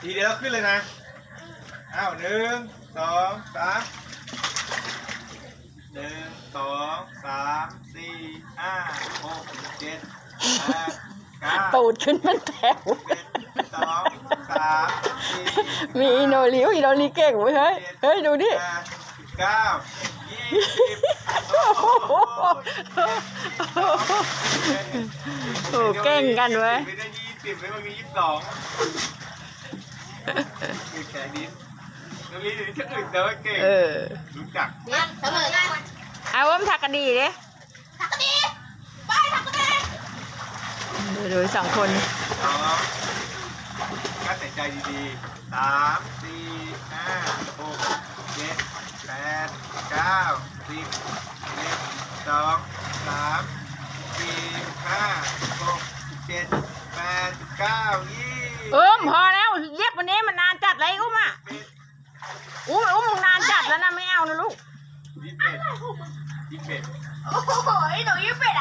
ทีเดียวขึ้นเลยนะอ้าว1 2 3 1 2 3 4 5 6 7 8 9 ตูดขึ้นเป็นแถว 1 2 3 4 มีอีโนริวอีโนริเก่งเว้ยเฮ้ยดูดิ 8 9 20 โอ้เก่งกันเว้ยไม่ได้20ไม่มันมี22คือแขนดินน้องลีนี่จะอื่นแต่ว่าเก่งรู้จักเนี่ยเสมอกันเอาว่ามันถักกันดีดิทักกะดีไปทักกะดีดูสองคน 2ก็ใส่ใจดีๆ3 4 5 6 7 8 9 10 1 2 3 4 5 6 7 8 9 20 พอแล้วเย็บวันนี้มันนานจัดเลยอุ้มอ่ะอุ้มนานจัดแล้วนะไม่เอานะลูก 21 โอ้โหหนูยิ้มเป็ด